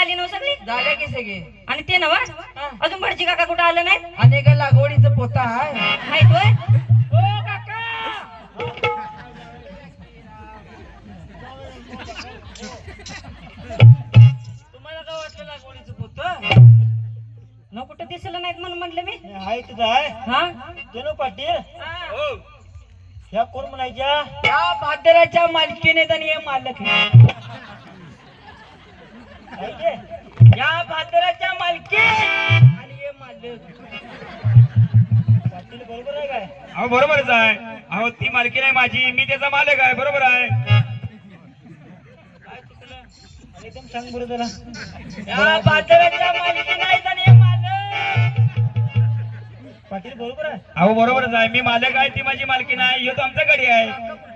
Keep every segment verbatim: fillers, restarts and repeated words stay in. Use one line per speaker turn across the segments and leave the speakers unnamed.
झाली नव सगळी
झाल्या की सगळे
आणि ते नव अजून भटजी काका कुठं आलं नाही
आणि का लागवडीचं पोता आहे
माहित होय
ओ काका तुम्हाला काय वाटलं लागवडीचं पोत
न कुठं दिसलं नाहीत म्हणून म्हणलं मी
हाय तिथं आहे
हा
चलो पाटील
हो
ह्या कोण म्हणायच्या
या भादराच्या मालकीने आणि हे मालक आहे.
काय ते?
या भादराच्या मालकी आणि हे मालक
पाटील बरोबर आहे काय
अहो बरोबरच आहे. अहो ती मालकी नाही माझी, मी त्याचा मालक आहे. बरोबर आहे.
काय चुकलं
आणि एकदम सांग बरं त्याला
या भादराच्या मालकी नाही आणि हे मालक
पाटील बरोबर आहे
अहो बरोबरच आहे. मी मालक आहे, ती माझी मालकी नाही. ह्यो तो आमचा गडी आहे.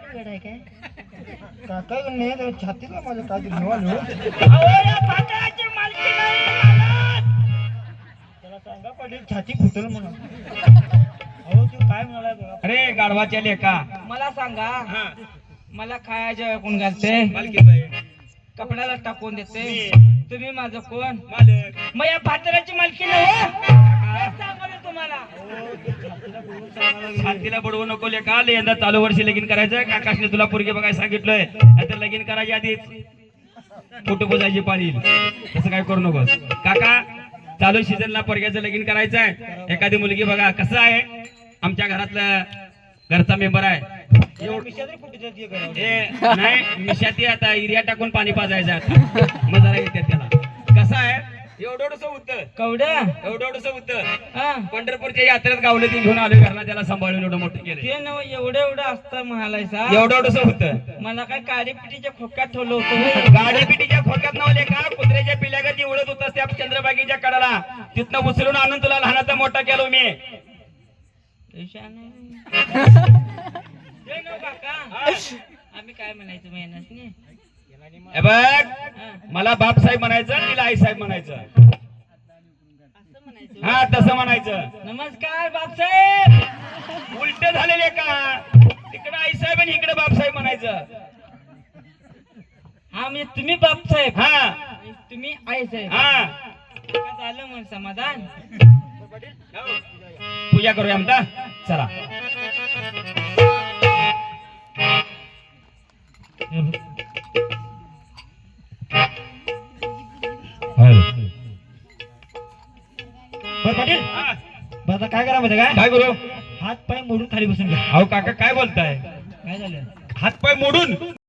काका नाही तर छातीला माझ्या काय घेवा
अहो या भादराची मालकी नाही मालक
त्याला सांगा पाटील छाती फुटल म्हणून अहो तू काय म्हणाला बघा
अरे गाढवाच्या लेका
मला सांगा
हा,
मला खायच्या कोण घालते
मालकी बाई.
कपड्याला टाकून देते
मी.
तुम्ही माझं कोण
मालक
मग या भादराची मालकी नाही सांगतो तुम्हाला
शांतीला बडवू नको लेका. यंदा चालू वर्षी लगीन करायचं. काकाशने तुला पोरगी बघायला सांगितलंय. नाहीतर लगीन करायच्या आधीच फोटो पोजायची पाळी येईल. तसं काय करू नकोस काका. चालू सीझनला पोरग्याचं लगीन करायचं आहे. एखादी मुलगी बघा. कसं आहे, आमच्या घरातलं घरचा मेंबर आहे. एवढं
विषयातरी कुठे जाते घरावर?
ए नाही मिशाती आता युरिया टाकून पाणी पाजायचं आता. मग जरा येते त्याला. कसं आहे, एवढं होतं
कवड्या
एवढं होतं
हा
पंढरपूरच्या यात्रेत गावलं ती घेऊन आलो घरला. त्याला सांभाळून एवढं मोठं केलं.
ते नव एवढं एवढं असतं म्हणालायसा
एवढं होतं.
मला काय काडीपिटीच्या खोक्यात ठेवलं होतं
गाडी पिटीच्या खोक्यात नवले का कुत्र्याच्या पिल्यागती उडत होतास त्या चंद्रबागीच्या कडाला. तिथनं उचलून आणून तुला लहानाचा मोठा केलो मी.
आम्ही काय म्हणायचं महिन्यात
हे बघ, मला बाप साहेब म्हणायचं, तिला आई साहेब म्हणायचं. हा तसं म्हणायचं.
नमस्कार बापसाहेब
उलट झालेले का, तिकडे आई साहेब आणि इकडे बाप साहेब म्हणायचं.
हा म्हणजे तुम्ही बापसाहेब
हा
तुम्ही आई साहेब
हा
झालं मग समाधान.
पूजा करूया आमचा. चला
बरं पाटील
हा,
बरं आता काय करा माहिती काय
काय करू.
हात पाय मोडून खाली बसून घ्या
अहो काका काय बोलताय.
काय झालं
हात पाय मोडून